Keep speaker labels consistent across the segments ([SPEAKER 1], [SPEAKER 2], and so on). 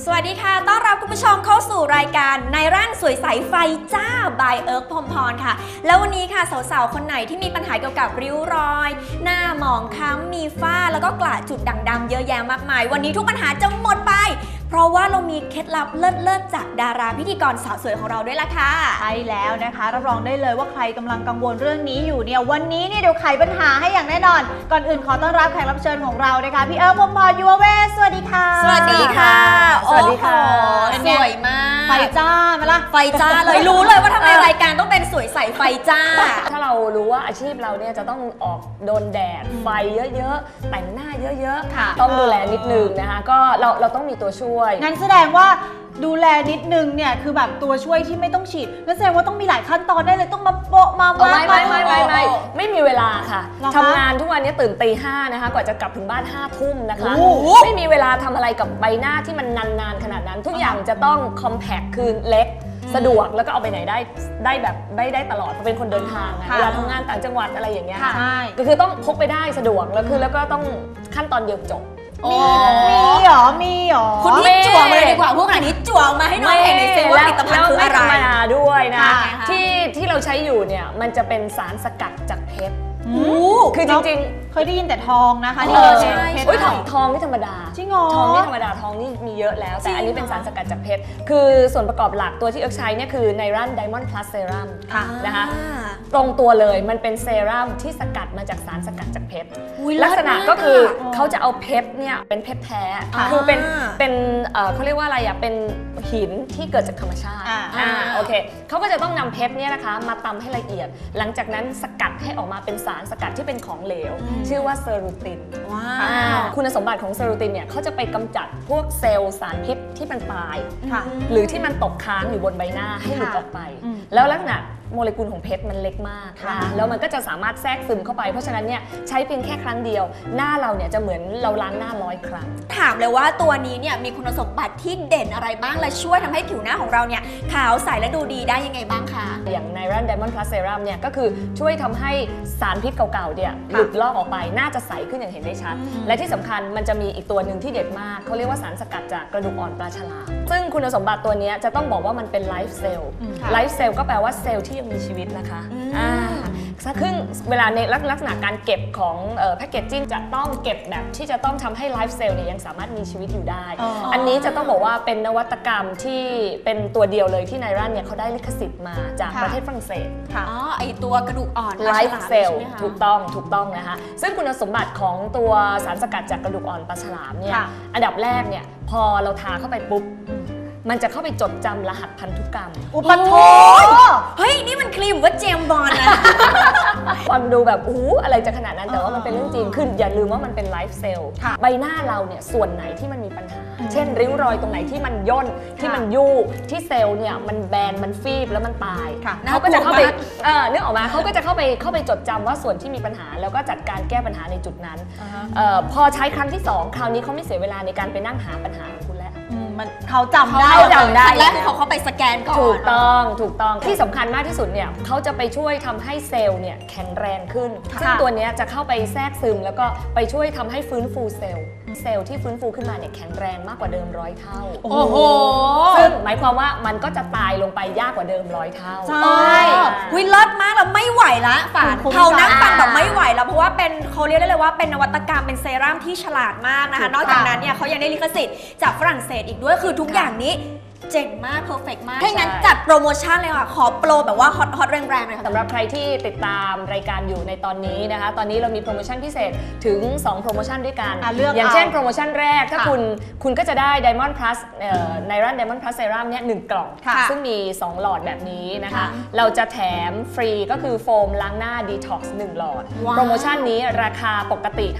[SPEAKER 1] สวัสดีค่ะต้อนรับคุณผู้ชมเข้าสู่รายการในร่านสวยใสไฟจ้า by เอิร์กพรหมพรค่ะแล้ววันนี้ค่ะสาวๆคนไหนที่มีปัญหาเกี่ยวกับริ้วรอยหน้าหมองคล้ำมีฝ้าแล้วก็กระจุดด่างดำเยอะแยะมากมายวันนี้ทุกปัญหาจะหมดไปเพราะว่าเรามีเคล็ดลับเลิศๆจากดาราพิธีกรสาวสวยของเราด้วยล่ะค่ะ
[SPEAKER 2] ใช่แล้วนะคะรับรองได้เลยว่าใครกำลังกังวลเรื่องนี้อยู่เนี่ยวันนี้เนี่ยเดี๋ยวไขปัญหาให้อย่างแน่นอนก่อนอื่นขอต้อนรับแขกรับเชิญของเรานะคะพี่เอิร์กพรหมพร ยูเวสวัสดีค่ะ
[SPEAKER 1] สวัสดีค่ะ
[SPEAKER 2] สวัสดีค่ะ
[SPEAKER 1] สวยมาก
[SPEAKER 2] ไฟจ้าไหมล่ะ
[SPEAKER 1] ไฟจ้าเลยรู้เลยว่าทำไมรายการต้องเป็นสวยใสไฟจ้า
[SPEAKER 3] ถ้าเรารู้ว่าอาชีพเราเนี่ยจะต้องออกโดนแดดไฟเยอะๆแต่งหน้าเยอะๆต้องดูแลนิดนึงนะคะก็เราต้องมีตัวช่วย
[SPEAKER 2] งั้นแสดงว่าดูแลนิดนึงเนี่ยคือแบบตัวช่วยที่ไม่ต้องฉีดนั่นแสดงว่าต้องมีหลายขั้นตอนได้เลยต้องมาโปะมา
[SPEAKER 3] ไม่มีเวลาค่ะทำงานทุกวันนี้ตื่นตีห้านะคะกว่าจะกลับถึงบ้าน5 ทุ่มนะคะไม่มีเวลาทำอะไรกับใบหน้าที่มันนานๆขนาดนั้นทุกอย่างจะต้องคอมแพคคือเล็กสะดวกแล้วก็เอาไปไหนได้แบบได้ตลอดเพราะเป็นคนเดินทางเวลาทำงานต่างจังหวัดอะไรอย่างเงี้ยก็คือต้องพกไปได้สะดวกแล้วก็ต้องขั้นตอนเดียวจบ
[SPEAKER 2] มีหรอ
[SPEAKER 1] คุณพี่จั่วมาเลยดีกว่าพวกอันนี้จั่วมาให้น้องเห็นในเซลล์ว่าผลิตภัณฑ์คืออะไร
[SPEAKER 3] ไม่ธรรมดาด้วยนะที่เราใช้อยู่เนี่ยมันจะเป็นสารสกัดจากเพชรคือจริง
[SPEAKER 2] ๆเคยได้ยินแต่ทองนะคะ
[SPEAKER 3] ที่
[SPEAKER 2] เรา
[SPEAKER 3] ใช้ทองไม่ธรรมดา
[SPEAKER 2] จริงเหรอ
[SPEAKER 3] ทองไม่ธรรมดาทองนี่มีเยอะแล้วแต่อันนี้เป็นสารสกัดจากเพชรคือส่วนประกอบหลักตัวที่เอิร์กใช้เนี่ยคือไนรันไดมอนด์พลัสเซรั่มนะคะตรงตัวเลยมันเป็นเซรั่มที่สกัดมาจากสารสกัดจากเพชรลักษณะก็คือเขาจะเอาเพชรเนี่ยเป็นเพชรแท้คือเป็นเขาเรียกว่าอะไรอ่ะเป็นหินที่เกิดจากธรรมชาติโอเคเขาก็จะต้องนำเพชรเนี่ยนะคะมาตำให้ละเอียดหลังจากนั้นสกัดให้ออกมาเป็นสารสกัดที่เป็นของเหลวชื่อว่าเซรูตินคุณสมบัติของเซรูตินเนี่ยเขาจะไปกำจัดพวกเซลล์สารพิษที่มันตายหรือที่มันตกค้างอยู่บนใบหน้าให้หลุดออกไปแล้วลักษณะโมเลกุลของเพชรมันเล็กมากแล้วมันก็จะสามารถแทรกซึมเข้าไปเพราะฉะนั้นเนี่ยใช้เพียงแค่ครั้งเดียวหน้าเราเนี่ยจะเหมือนเราล้างหน้า100 ครั้ง
[SPEAKER 1] ถามเลยว่าตัวนี้เนี่ยมีคุณสมบัติที่เด่นอะไรบ้างและช่วยทำให้ผิวหน้าของเราเนี่ยขาวใสและดูดีได้ยังไงบ้างคะ
[SPEAKER 3] อย่างไนรันไดมอนด์พลัสเซรั่มเนี่ยก็คือช่วยทำให้สารพิษเก่าๆเนี่ยหลุดลอกออกไปน่าจะใสขึ้นอย่างเห็นได้ชัดและที่สำคัญมันจะมีอีกตัวหนึ่งที่เด็ดมากเขาเรียกว่าสารสกัดจากกระดูกอ่อนปลาฉลามซึ่งคุณสมบัติตัวนี้จะต้องบอกว่ามันเป็นไลฟ์เซลล์ไลฟ์เซลล์ก็แปลว่าเซลล์ที่ยังมีชีวิตนะคะซึ่งเวลาในลักษณะการเก็บของแพคเกจจิ้งจะต้องเก็บแบบที่จะต้องทำให้ไลฟ์เซลล์เนี่ยยังสามารถมีชีวิตอยู่ได้อันนี้จะต้องบอกว่าเป็นนวัตกรรมที่เป็นตัวเดียวเลยที่ไนรันเนี่ยเขาได้ลิขสิทธิ์มาจากประเทศฝรั่งเศส
[SPEAKER 1] ไอตัวกระดูกอ่อน
[SPEAKER 3] ไลฟ์เซลล์ถูกต้องนะคะซึ่งคุณสมบัติของตัวสารสกัดจากกระดูกอ่อนปลาฉลามเนี่ยอันดับแรกเนี่ยพอเราทาเข้าไปปุ๊บมันจะเข้าไปจดจำรหัสพันธุกรรม
[SPEAKER 2] อุปโภค
[SPEAKER 1] เฮ้ยนี่มันครีมว่าเจมบอลนะ
[SPEAKER 3] ฟังดูแบบอะไรจะขนาดนั้นแต่ว่ามันเป็นเรื่องจริงคืออย่าลืมว่ามันเป็นไลฟ์เซลล์ใบหน้าเราเนี่ยส่วนไหนที่มันมีปัญหาเช่นริ้วรอยตรงไหนที่มันย่นที่มันยู่ที่เซลล์เนี่ยมันแบนมันฟีบแล้วมันตายเขาก็จะเข้าไปนึกออกมาเขาก็จะเข้าไปจดจำว่าส่วนที่มีปัญหาแล้วก็จัดการแก้ปัญหาในจุดนั้นพอใช้ครั้งที่2คราวนี้เขาไม่เสียเวลาในการไปนั่งหาปัญหาของคุณแล้ว
[SPEAKER 2] เขาจำได้
[SPEAKER 1] แล้วคือเขาเข้าไปสแกนก่อน
[SPEAKER 3] ถูกต้องที่สำคัญมากที่สุดเนี่ยเขาจะไปช่วยทำให้เซลล์เนี่ยแข็งแรงขึ้นซึ่งตัวนี้จะเข้าไปแทรกซึมแล้วก็ไปช่วยทำให้ฟื้นฟูเซลล์ที่ฟื้นฟูขึ้นมาเนี่ยแข็งแรงมากกว่าเดิม100 เท่า
[SPEAKER 1] โอ้โห
[SPEAKER 3] ซึ่งหมายความว่ามันก็จะตายลงไปยากกว่าเดิม100 เท่า
[SPEAKER 1] ใช่วิเลิศมากแล้วไม่ไหวละฝานเขานั่งฟังแบบไม่ไหวแล้วเพราะว่าเป็นเขาเรียกได้เลยว่าเป็นนวัตกรรมเป็นเซรั่มที่ฉลาดมากนะคะนอกจากนั้นเนี่ยเขายังได้ลิขสิทธิ์จากฝรั่งเศสอีกด้วยคือทุกอย่างนี้เจ๋งมากเพอร์เฟกต์มากถ้างั้นจัดโปรโมชั่นเลยค่ะขอโปรแบบว่าฮอตแรงๆเลยค่ะ
[SPEAKER 3] สำหรับใครที่ติดตามรายการอยู่ในตอนนี้นะคะตอนนี้เรามีโปรโมชั่นพิเศษถึง2โปรโมชั่นด้วยกันอย่างเช่นโปรโมชั่นแรกถ้าคุณก็จะได้ Diamond Plus ไนรัน Diamond Plus Serum เนี่ย1 กล่องซึ่งมี2หลอดแบบนี้นะคะเราจะแถมฟรีก็คือโฟมล้างหน้า Detox 1 หลอดโปรโมชั่นนี้ราคาปกติ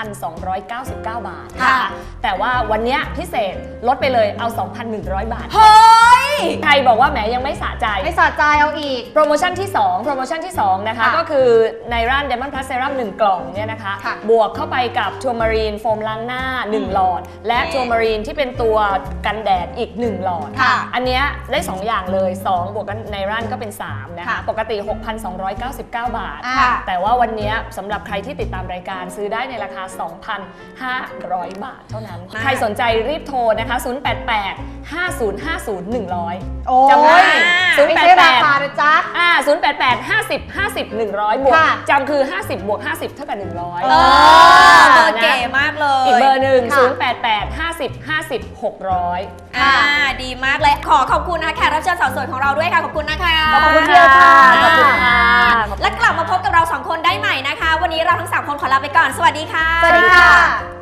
[SPEAKER 3] 5,299 บาทแต่ว่าวันนี้พิเศษลดไปเลยเอา 2,100 บาท
[SPEAKER 1] เฮ้ย
[SPEAKER 3] ใครบอกว่าแหมยังไม่สะใจ
[SPEAKER 2] ไม่สะใจเอาอีก
[SPEAKER 3] โปรโมชั่นที่2นะคะ
[SPEAKER 2] ค่ะ
[SPEAKER 3] ก็คือในร้าน Diamond Plus Serum 1 กล่องเนี่ยนะคะ
[SPEAKER 2] ค่ะ
[SPEAKER 3] บวกเข้าไปกับทัวร์มารีนโฟมล้างหน้า 1 หลอด และทัวร์มารีนที่เป็นตัวกันแดดอีก 1 หลอด
[SPEAKER 2] ค่ะ
[SPEAKER 3] อันเนี้ยได้ 2 อย่างเลย 2 บวกกันในร้านก็เป็น 3 นะคะ
[SPEAKER 2] ค่ะ
[SPEAKER 3] ปกติ 6,299 บาท
[SPEAKER 2] ค่ะ
[SPEAKER 3] แต่ว่าวันเนี้ยสำหรับใครที่ติดตามรายการซื้อได้ในราคา 2,500 บาทเท่านั้น
[SPEAKER 1] ค่ะ
[SPEAKER 3] ใครสนใจรีบโทรนะคะ 088 5050 100
[SPEAKER 2] โอ้
[SPEAKER 3] จำได้
[SPEAKER 2] ยไม่ใช่ราคา
[SPEAKER 3] 088
[SPEAKER 2] นะจ๊ะ
[SPEAKER 3] 088 50 50 100 บวก
[SPEAKER 2] ค่ะ
[SPEAKER 3] จำคือ 50 บวก 50 เท่ากับ 100
[SPEAKER 1] เออเบอร์เก๋มากเลย
[SPEAKER 3] อีกเบอร์หนึ่ง
[SPEAKER 2] ค่ะ
[SPEAKER 3] 088 50 50 600
[SPEAKER 1] ดีมากเลย ขอบคุณนะคะแขกรับเชิญสาวสวยของเราด้วยค่ะ ขอบคุณนะคะ
[SPEAKER 2] ขอบคุณเดียวค่ะ
[SPEAKER 3] ขอบคุณค่ะ
[SPEAKER 1] และกลับมาพบกับเรา 2 คนได้ใหม่นะคะ วันนี้เราทั้ง 3 คนขอลาไปก่อน สวัสดีค่ะ
[SPEAKER 2] สวัสดีค่ะ